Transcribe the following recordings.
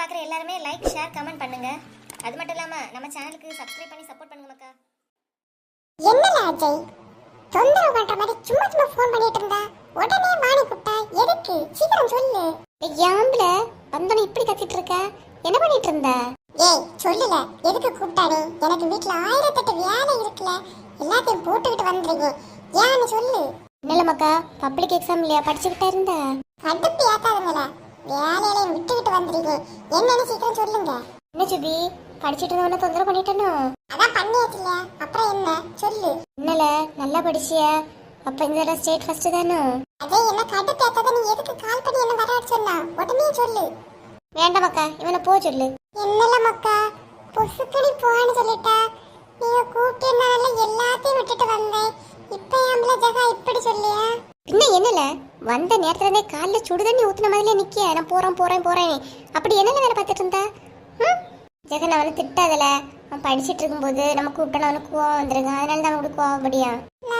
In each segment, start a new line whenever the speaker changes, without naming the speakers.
பார்க்குற எல்லாருமே like share comment பண்ணுங்க. அது மட்டும் இல்லாமல் நம்ம சேனலுக்கு சப்ஸ்கிரைப் பண்ணி சப்போர்ட் பண்ணுங்க மக்கா.
என்னல அஜய் தொந்தரவு பண்ற மாதிரி சும்மா சும்மா ஃபோன் பண்ணிட்டு இருந்தா உடனே வாணி கூப்பிட்டா எதுக்கு சீக்கிரம் சொல்லு.
ஏம்பல வந்தோன்னு இப்படி கத்திட்டு இருக்க? என்ன பண்ணிட்டு இருந்த?
ஏய் சொல்லுல எதுக்கு கூப்பிட்டானே? எனக்கு வீட்ல 1008 வேலை இருக்குல, எல்லாத்தையும் போட்டுக்கிட்டு வந்துறீங்க, ஏன்னு சொல்லு.
என்னல மக்கா, பப்ளிக் எக்ஸாம் இல்லையா, படிச்சுக்கிட்டே இருந்த?
கடுப்பு ஏத்தாதுங்கள, வேலையிலையும் விட்டுக்கிட்டு வந்துறீங்க, என்னன்னு சீக்கிரம் சொல்லுங்க.
என்ன சுபி, படிச்சுட்டு இருந்தவன தொந்தரவு பண்ணிட்டனோ?
அதான் பண்ணியாச்சுல, அப்புறம் என்ன சொல்லு.
என்னல நல்லா படிச்சிய? அப்ப இந்த தடவை ஸ்டேட் ஃபர்ஸ்ட் தானே?
அதே என்ன கடுப்பு ஏத்தாத, நீ எதுக்கு கால் பண்ணி என்ன வர சொன்னா உடனே சொல்லு.
வேண்டாம் மக்கா, இவனை போ சொல்லு.
என்னல மக்கா, பொசுக்கடி போன்னு சொல்லிட்டா. நீங்க கூப்பிட்டனால எல்லாத்தையும் விட்டுட்டு வந்தேன், இப்ப ஏம்பல ஜகா இப்படி சொல்லியா?
இன்னும் என்னல வந்த நேரத்துல இருந்தே காலில் சுடு தண்ணி ஊத்துன மாதிரிலே நிக்க, நான் போறேன் போறேன் போறேன் அப்படி என்னல வேலை பார்த்துட்டு இருந்தா? ஜெகன் அவனை திட்டாதல, அவன் படிச்சுட்டு இருக்கும்போது நம்ம கூப்பிட்டோன்னு அவனுக்கு கோவம் வந்துருங்க, அதனால தான் அவனுக்கு கோவப்படியா?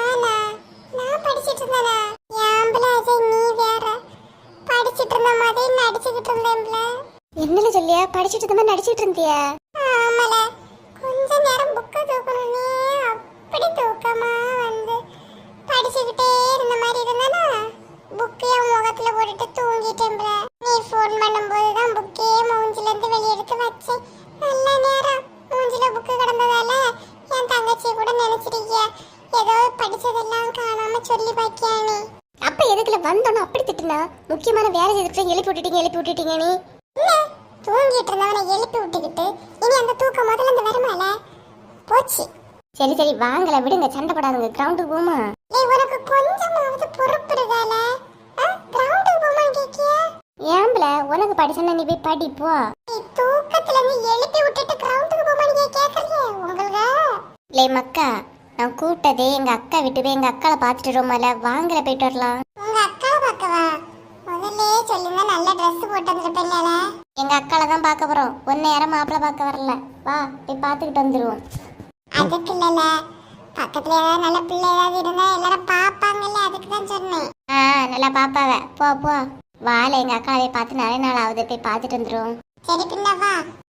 நான் படிச்சிட்டு இருந்தேனா? ஏம்பல அஜய் நீ வேற, படிச்சிட்டு இருந்த மாதிரி நடிச்சுக்கிட்டு இருந்தேன்ல.
என்னல சொல்லியா, படிச்சுட்டு இருந்த மாதிரி நடிச்சிட்டு இருந்தியா?
ஆமால, கொஞ்ச நேரம் புக்க தூக்கணும்னே அப்படி தூக்கமா வந்து படிச்சுக்கிட்டே இருந்த மாதிரி இருந்தானா, புக்கைய முகத்துல போட்டுட்டு தூங்கிட்டேன்ல. நீ ஃபோன் பண்ணும்போது தான் புக்கே மூஞ்சில இருந்து வெளியே எடுத்து வச்சேன். நல்ல நேரம் மூஞ்சில புக்கு கிடந்ததால என் தங்கச்சி கூட நினைச்சிருக்கிய ஏதோ படிச்சதெல்லாம் காணாம சொல்லி பாக்கியானே.
அப்ப எதுக்குல வந்தோன்னு அப்படி திட்டுனா? முக்கியமான வேலை செய்துட்டு எழுப்பி விட்டுட்டீங்க நீ.
இல்ல, தூங்கிட்டு இருந்தவனை எழுப்பி விட்டுக்கிட்டு இனி அந்த தூக்கம் முதல்ல இருந்து வருமால போச்சு.
சரி சரி வாங்கல விடுங்க, சண்டை போடாதுங்க, கிரவுண்டுக்கு போமா.
ஏய் உனக்கு கொஞ்சமாவது பொறுப்பு இருக்கால? கிரவுண்டுக்கு போமான்னு கேக்கியா?
ஏம்பல உனக்கு படிச்சா நீ போய் படி போ.
நீ தூக்கத்துல இருந்து எழுப்பி விட்டுட்டு கிரவுண்டுக்கு போமான்னு கேக்குறீங்க உங்களுக்கு?
லே மக்கா, நான் கூப்பிட்டதே எங்க அக்கா விட்டு போய் எங்க அக்காவை பார்த்துட்டு வருமால, வாங்கல போயிட்டு வரலாம்.
உங்க அக்காவை பார்க்கவா? முதல்ல சொல்லுங்க, நல்ல ட்ரெஸ் போட்டு வந்திருப்பேன்ல.
எங்க அக்காவை தான் பார்க்க போறோம், ஒன்னு யாரும் மாப்பிள்ள பார்க்க வரல, வா போய் பார்த்துக்கிட்டு வந்துருவோம்.
அதுக்கு இல்லல, பக்கத்துல ஏதாவது நல்ல பிள்ளை ஏதாவது இருந்தா எல்லாரும் பாப்பாங்கல்ல, அதுக்கு தான் சொன்னேன்.
நல்லா பாப்பாவ, போ போ வாழ, எங்க அக்காவை பார்த்து நிறைய நாள் ஆகுது, போய் பார்த்துட்டு வந்துருவோம்.
சரி பின்ன வா.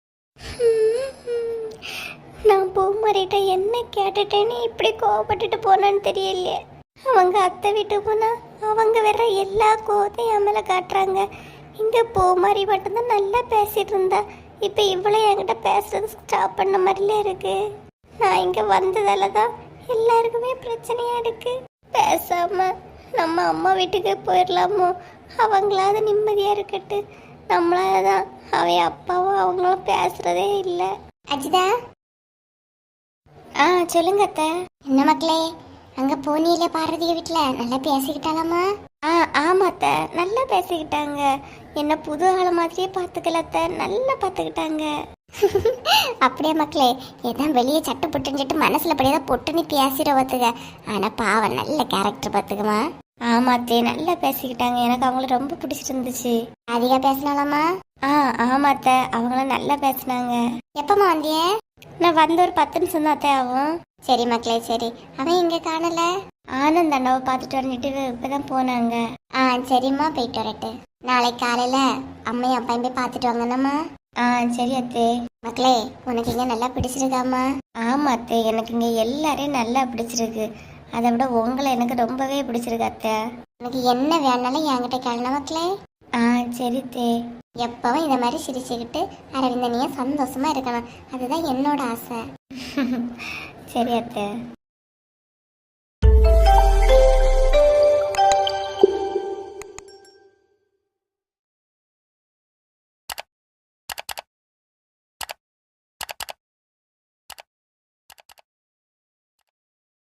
நான் பூமாரிட்ட என்ன கேட்டுட்டேன்னு இப்படி கோவப்பட்டுட்டு போனான்னு தெரியலையே. அவங்க அத்தை வீட்டுக்கு போனா அவங்க வேற எல்லா கோவத்தையும் என் மேல காட்டுறாங்க. இங்க பூமாரி மட்டும்தான் நல்லா பேசிட்டு இருந்தா, இப்ப இவ்வளவு என்கிட்ட பேசுறது ஸ்டாப் பண்ண மாதிரிலே இருக்கு. நான் இங்க வந்ததால தான் எல்லாருக்குமே பிரச்சனையா இருக்கு. பேசாம நம்ம அம்மா வீட்டுக்கு போயிடலாமோ, அவங்களாவது நிம்மதியா இருக்கட்டு. நம்மளாதான் அவன் அப்பாவும் அவங்களும் பேசுறதே இல்லை.
அஜிதா,
சொல்லுங்க அத்தை.
என்ன மக்களே, அங்க போனியில பார்வதிய வீட்டுல நல்லா பேசிக்கிட்டாலாமா?
ஆமா அத்தை, நல்லா பேசிக்கிட்டாங்க. என்ன புது ஆள மாதிரியே பார்த்துக்கல அத்தை, நல்லா பார்த்துக்கிட்டாங்க.
அப்படியே மக்களே, ஏதான் வெளியே சட்டு புட்டுன்னு மனசுல படியதான் பொட்டுன்னு பேசிட பார்த்துக்க, ஆனா பாவம் நல்ல கேரக்டர் பார்த்துக்குமா.
ஆமா அத்தை, நல்லா பேசிக்கிட்டாங்க, எனக்கு அவங்கள ரொம்ப பிடிச்சிருந்துச்சு.
அதிகா பேசினாலாமா?
ஆமா அத்தை, அவங்களும் நல்லா பேசினாங்க.
எப்பமா வந்திய?
நான் வந்து ஒரு 10 நிமிஷம் தான் அத்தை ஆகும்.
சரி மக்களே சரி, அவன் இங்க காணல.
ஆனந்த் அண்ணாவை பார்த்துட்டு வந்துட்டு இப்பதான் போனாங்க.
சரிம்மா போயிட்டு வரட்டு. நாளைக்கு காலையில அம்மையும் அப்பாயும் போய் பார்த்துட்டு வாங்கண்ணம்மா.
சரி அத்தை.
மக்களே, உனக்கு இங்க நல்லா பிடிச்சிருக்காமா?
ஆமா அத்தை, எனக்கு இங்க எல்லாரையும் நல்லா பிடிச்சிருக்கு. அதை விட உங்களை எனக்கு ரொம்பவே பிடிச்சிருக்கு அத்தை.
உனக்கு என்ன வேணாலும் என்கிட்ட கேளுனா மக்களே.
சரி அத்தை.
எப்பவும் இந்த மாதிரி சிரிச்சுக்கிட்டு அரவிந்தனையும் சந்தோஷமா இருக்கணும், அதுதான் என்னோட ஆசை.
சரி அத்தை.